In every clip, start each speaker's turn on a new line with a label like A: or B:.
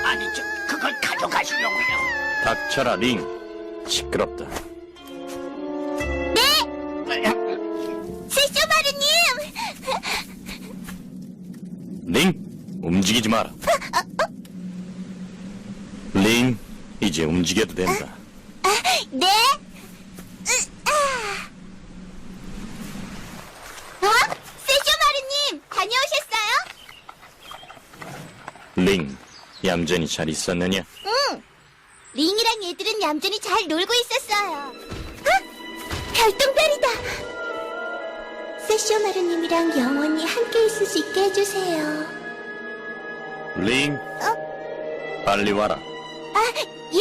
A: 아니, 그걸 가져가시려고요.
B: 닥쳐라, 링. 시끄럽다.
C: 네! 세쇼마루님!
B: 링, 움직이지 마라. 링, 이제 움직여도 된다.
C: 네? 세쇼마루님, 다녀오셨어요?
B: 링, 얌전히 잘 있었느냐?
C: 응. 링이랑 얘들은 얌전히 잘 놀고 있었어요. 별똥별이다. 세쇼마루님이랑 영원히 함께 있을 수 있게 해주세요.
B: 링, 빨리 와라.
C: 예?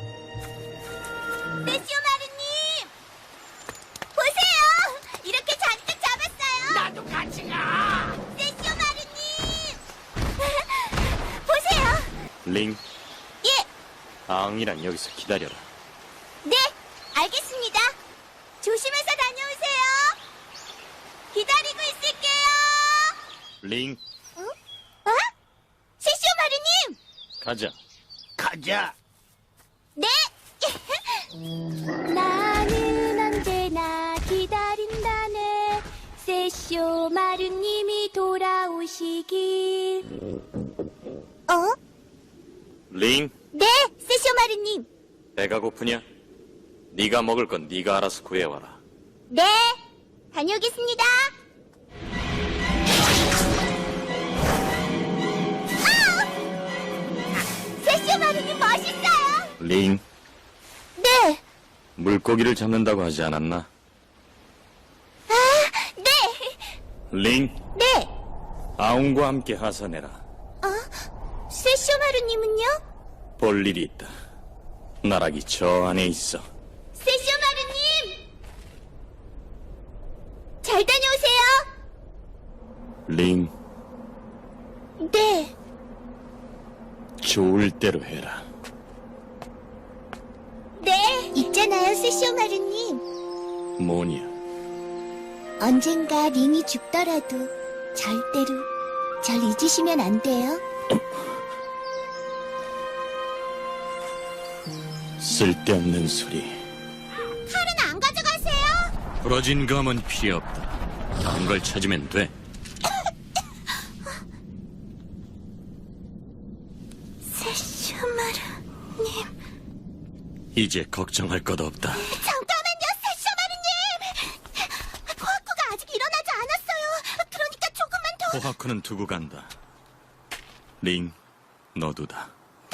C: 세쇼마루님! 보세요! 이렇게 잔뜩 잡았어요!
A: 나도 같이 가.
C: 세쇼마루님! 보세요!
B: 링,
C: 예!
B: 아웅이랑 여기서 기다려라.
C: 네! 알겠습니다. 조심해서 다녀오세요! 기다리고 있을게요!
B: 링,
C: 어? 세쇼마루님!
B: 가자.
A: 가자.
C: 네! 나는 언제나 기다린다네 세쇼마루님이 돌아오시길.
B: 링,
C: 네, 세쇼마루님.
B: 배가 고프냐? 네가 먹을 건 네가 알아서 구해와라.
C: 네, 다녀오겠습니다. 세쇼마루님 멋있어요.
B: 링,
C: 네,
B: 물고기를 잡는다고 하지 않았나?
C: 네,
B: 링,
C: 네.
B: 아웅과 함께 하산해라.
C: 세쇼마루님은요?
B: 볼 일이 있다. 나락이 저 안에 있어.
C: 세쇼마루님! 잘 다녀오세요.
B: 링,
C: 네.
B: 좋을 대로 해라.
C: 네. 있잖아요, 세쇼마루님.
B: 뭐냐?
C: 언젠가 링이 죽더라도 절대로 절 잊으시면 안 돼요.
B: 쓸데없는 소리.
C: 칼은 안 가져가세요.
B: 부러진 감은 필요 없다. 다른 걸 찾으면 돼.
C: 세쇼마루님.
B: 이제 걱정할 것 없다.
C: 잠깐만요, 세쇼마루님. 코아쿠가 아직 일어나지 않았어요. 그러니까 조금만 더.
B: 호하쿠는 두고 간다. 링, 너도다.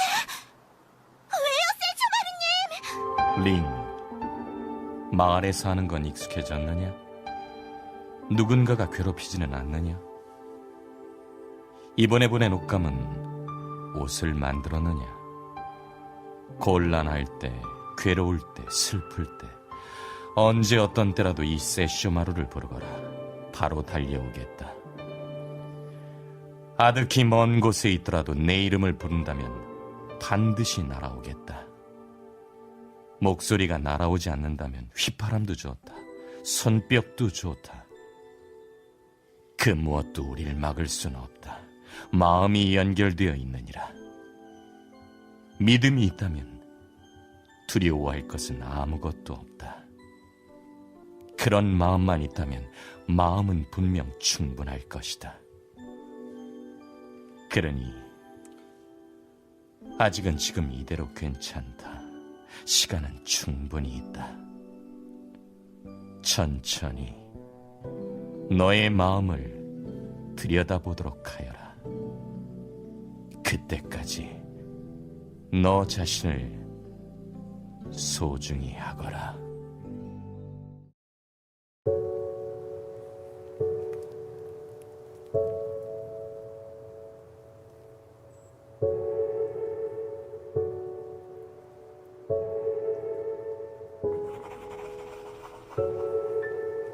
C: 왜요, 세쇼마루님?
D: 링, 마을에 사는 건 익숙해졌느냐? 누군가가 괴롭히지는 않느냐? 이번에 보낸 옷감은 옷을 만들었느냐? 곤란할 때, 괴로울 때, 슬플 때, 언제 어떤 때라도 이 세쇼마루를 부르거라. 바로 달려오겠다. 아득히 먼 곳에 있더라도 내 이름을 부른다면 반드시 날아오겠다. 목소리가 날아오지 않는다면 휘파람도 좋다. 손뼉도 좋다. 그 무엇도 우리를 막을 수는 없다. 마음이 연결되어 있느니라. 믿음이 있다면 두려워할 것은 아무것도 없다. 그런 마음만 있다면 마음은 분명 충분할 것이다. 그러니 아직은 지금 이대로 괜찮다. 시간은 충분히 있다. 천천히 너의 마음을 들여다보도록 하여라. 그때까지 너 자신을 소중히 하거라.